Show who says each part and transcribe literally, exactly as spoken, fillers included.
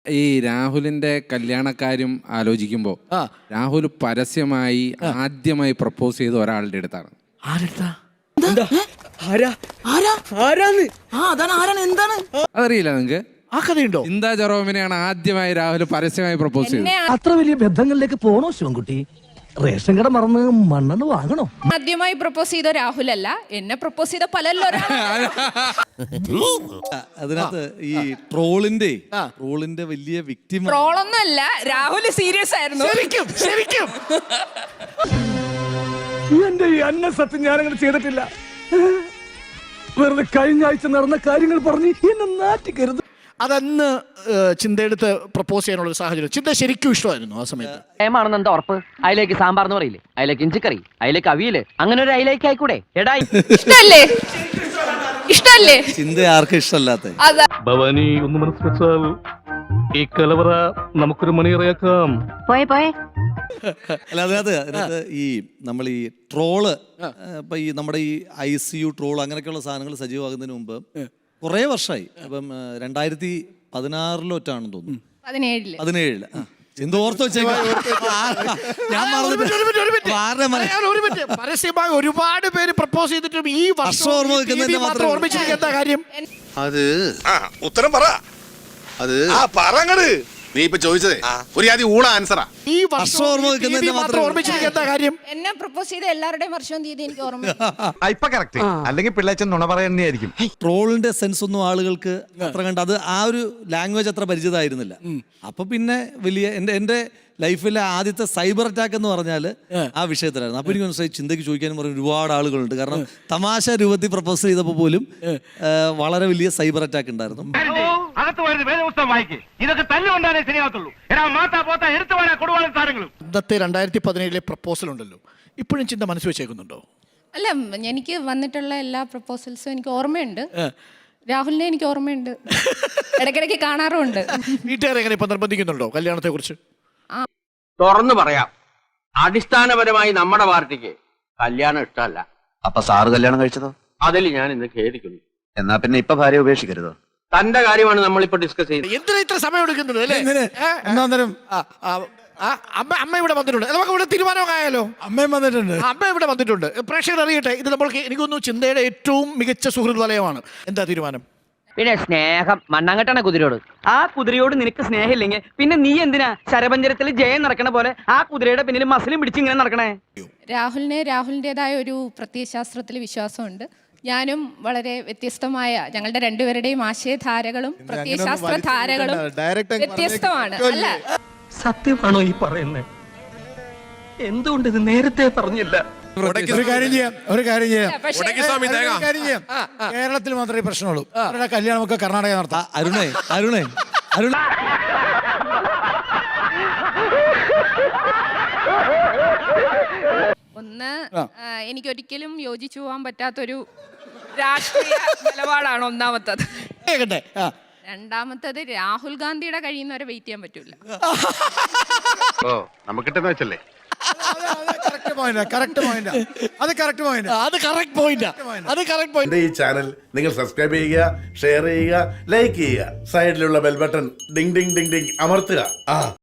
Speaker 1: ഈ രാഹുലിന്റെ കല്യാണക്കാര്യം ആലോചിക്കുമ്പോൾ രാഹുൽ പരസ്യമായി ആദ്യമായി പ്രപ്പോസ് ചെയ്ത ഒരാളുടെ അടുത്താണ്. അതറിയില്ല നിങ്ങക്ക്?
Speaker 2: ആ കഥയുണ്ടോ?
Speaker 1: ചിന്താ ജെറോമിനെയാണ് ആദ്യമായി രാഹുൽ പരസ്യമായി പ്രപ്പോസ് ചെയ്തത്.
Speaker 3: അത്ര വലിയ ബന്ധങ്ങളിലേക്ക് പോണോ ശിവൻകുട്ടി? റേഷൻ കട മറന്ന് മണ്ണെണ്ണ വാങ്ങണോ?
Speaker 4: ആദ്യമായി പ്രപ്പോസ് ചെയ്ത രാഹുലല്ല, എന്നെ പ്രപ്പോസ് ചെയ്ത പലല്ലോ.
Speaker 5: അതിനകത്ത് ഈ ട്രോളിന്റെ ട്രോളിന്റെ വലിയ വിക്ടിം
Speaker 4: ട്രോളൊന്നും അല്ല, രാഹുൽ സീരിയസ് ആയിരുന്നു.
Speaker 2: ശരിക്കും ശരിക്കും
Speaker 3: എന്റെ ഈ അന്ന സത്യം ഞാനങ്ങനെ ചെയ്തിട്ടില്ല. വെറുതെ കഴിഞ്ഞ ആഴ്ച നടന്ന കാര്യങ്ങൾ പറഞ്ഞ് എന്നെ നാറ്റിക്കരുത്.
Speaker 2: അതന്ന് ചിന്തയെടുത്ത് പ്രപ്പോസ് ചെയ്യാനുള്ള സാഹചര്യം ചിന്ത ശരിക്കും ഇഷ്ടമായിരുന്നു ആ സമയത്ത്.
Speaker 6: ഏമാണെന്ന് എന്താ ഉറപ്പ്? അതിലേക്ക് സാമ്പാർ എന്ന് പറയില്ലേ, അതിലേക്ക് ഇഞ്ചിക്കറി, അതിലേക്ക് അവിയല്, അങ്ങനെ ഒരു അതിലേക്ക് ആയിക്കൂടെ? എടാ
Speaker 4: ഇഷ്ടല്ലേ? ഇഷ്ടല്ലേ?
Speaker 5: ചിന്ത ആർക്കും ഇഷ്ടമല്ലാത്ത
Speaker 7: ഭവാനി ഒന്ന് മനസ്സ് വെച്ചാൽ ഈ കലവറ നമുക്കൊരു മണിയറയാക്കാം.
Speaker 6: പോയെ പോയെ
Speaker 5: അല്ല, അതിനകത്ത് അതിനകത്ത് ഈ നമ്മൾ ഈ ട്രോള് ഇപ്പൊ ഈ നമ്മുടെ ഈ ഐ സി യു ട്രോൾ അങ്ങനെയൊക്കെയുള്ള സാധനങ്ങൾ സജീവമാകുന്നതിന് മുമ്പ് കുറേ വർഷമായി. അപ്പം രണ്ടായിരത്തി പതിനാറിലോട്ടാണെന്ന് തോന്നുന്നു,
Speaker 4: പതിനേഴില്
Speaker 5: പതിനേഴില് ചിന്ത ഓർത്ത് വെച്ചേക്കാം.
Speaker 2: പരസ്യമായി ഒരുപാട് പേര് പ്രപ്പോസ് ചെയ്തിട്ടും ഈ വർഷം ഓർമ്മിച്ചിരിക്കുന്ന കാര്യം
Speaker 8: അത് ഉത്തരം പറ. അത് പറങ്ങട് നീ ഇപ്പൊ ചോദിച്ചതേ ഒരു ആദ്യം ഊള ആൻസറാ.
Speaker 2: ഈ വർഷം ഓർമ്മിച്ചിരിക്കുന്ന കാര്യം
Speaker 4: എന്നെ പ്രപ്പോസ് ചെയ്ത എല്ലാവരുടെയും വർഷവും തീയതി എനിക്ക് ഓർമ്മ.
Speaker 9: ഇപ്പൊ കറക്റ്റ്, അല്ലെങ്കിൽ പിള്ളേച്ചൻ നുണ പറയുന്നതായിരിക്കും.
Speaker 5: ട്രോളിന്റെ സെൻസ് ഒന്നും ആളുകൾക്ക് അത്ര കണ്ട് അത് ആ ഒരു ലാംഗ്വേജ് അത്ര പരിചിതമായിരുന്നില്ല. അപ്പൊ പിന്നെ വലിയ എന്റെ എന്റെ ലൈഫിലെ ആദ്യത്തെ സൈബർ അറ്റാക്ക് എന്ന് പറഞ്ഞാൽ ആ വിഷയത്തിലായിരുന്നു. അപ്പൊ എനിക്ക് മനസ്സിലായി ചിന്തയ്ക്ക് ചോദിക്കാനും പറഞ്ഞ ഒരുപാട് ആളുകളുണ്ട്. കാരണം തമാശ രൂപത്തിൽ പ്രപ്പോസ് ചെയ്തപ്പോൾ പോലും വളരെ വലിയ സൈബർ അറ്റാക്ക് ഉണ്ടായിരുന്നു.
Speaker 2: ഇന്നത്തെ രണ്ടായിരത്തി പതിനേഴിലെ പ്രപ്പോസൽ ഉണ്ടല്ലോ, ഇപ്പോഴും ചിന്ത മനസ്സ് വെച്ചേക്കുന്നുണ്ടോ?
Speaker 4: അല്ല, എനിക്ക് വന്നിട്ടുള്ള എല്ലാ പ്രപ്പോസൽസും എനിക്ക് ഓർമ്മയുണ്ട്. രാഹുലിനെ എനിക്ക് ഓർമ്മയുണ്ട്, ഇടയ്ക്കിടയ്ക്ക് കാണാറുമുണ്ട്.
Speaker 2: വീട്ടുകാരെ എങ്ങനെ ഇപ്പൊ നിർബന്ധിക്കുന്നുണ്ടോ കല്യാണത്തെ കുറിച്ച്?
Speaker 6: തുറന്നു പറയാം, അടിസ്ഥാനപരമായി നമ്മുടെ പാർട്ടിക്ക് കല്യാണം ഇഷ്ടമല്ല.
Speaker 9: അപ്പൊ സാറ് കല്യാണം കഴിച്ചതോ?
Speaker 6: അതിൽ ഞാൻ ഇന്ന് ഖേദിക്കുന്നു.
Speaker 9: എന്നാ പിന്നെ ഇപ്പൊ ഭാര്യ ഉപേക്ഷിക്കരുതോ?
Speaker 6: തന്റെ കാര്യമാണ് നമ്മളിപ്പോ ഡിസ്കസ് ചെയ്യുന്നത്.
Speaker 2: എന്തിനാ ഇത്ര സമയം എടുക്കുന്നത് അല്ലേ? അമ്മ അമ്മ ഇവിടെ വന്നിട്ടുണ്ട്, നമുക്ക് ഇവിടെ തീരുമാനമായാലോ? അമ്മയും വന്നിട്ടുണ്ട്, അമ്മ ഇവിടെ വന്നിട്ടുണ്ട്. പ്രേക്ഷകർ അറിയട്ടെ, ഇത് നമ്മൾക്ക് എനിക്കൊന്നു ചിന്തയുടെ ഏറ്റവും മികച്ച സുഹൃത്ത് വലയമാണ്. എന്താ തീരുമാനം?
Speaker 6: പിന്നെ സ്നേഹം മണ്ണാങ്കട്ടാണ് കുതിരയോട്. ആ കുതിരയോട് നിനക്ക് സ്നേഹമില്ലെങ്കിൽ പിന്നെ നീ എന്തിനാ ശരപഞ്ചരത്തിൽ ജയം നടക്കണ പോലെ ആ കുതിരയുടെ പിന്നിൽ മസിലും പിടിച്ച് ഇങ്ങനെ നടക്കണേ?
Speaker 4: രാഹുലിന് രാഹുലിൻ്റെതായ ഒരു പ്രത്യയശാസ്ത്രത്തിൽ വിശ്വാസമുണ്ട്. ഞാനും വളരെ വ്യത്യസ്തമായ, ഞങ്ങളുടെ രണ്ടുപേരുടെയും ആശയധാരകളും പ്രത്യയശാസ്ത്ര ധാരകളും വ്യത്യസ്തമാണ്. അല്ല,
Speaker 3: സത്യമാണോ ഈ പറയുന്നത്? എന്തുകൊണ്ട് ഇത് നേരത്തെ പറഞ്ഞില്ല?
Speaker 2: ഒരു കാര്യം ചെയ്യാം, ഒരു കാര്യം ചെയ്യാം, കാര്യം ചെയ്യാം. കേരളത്തിൽ മാത്രമേ പ്രശ്നമുള്ളൂ. അവരുടെ കല്യാണമൊക്കെ കർണാടക നടത്താം.
Speaker 5: അരുണേ അരുണേ അരുണ
Speaker 4: ഒന്ന്, എനിക്കൊരിക്കലും യോജിച്ചു പോകാൻ പറ്റാത്തൊരു രാഷ്ട്രീയ നിലപാടാണ് ഒന്നാമത്തത്. രണ്ടാമത്തത്, രാഹുൽ ഗാന്ധിയുടെ കഴിയുന്നവരെ വെയിറ്റ് ചെയ്യാൻ പറ്റൂല.
Speaker 8: ഓ നമുക്കിട്ടെന്ന് വെച്ചല്ലേ?
Speaker 10: ഈ ചാനൽ നിങ്ങൾ സബ്സ്ക്രൈബ് ചെയ്യുക, ഷെയർ ചെയ്യുക, ലൈക്ക് ചെയ്യുക, സൈഡിലുള്ള bell button ding ding ding ding അമർത്തുക.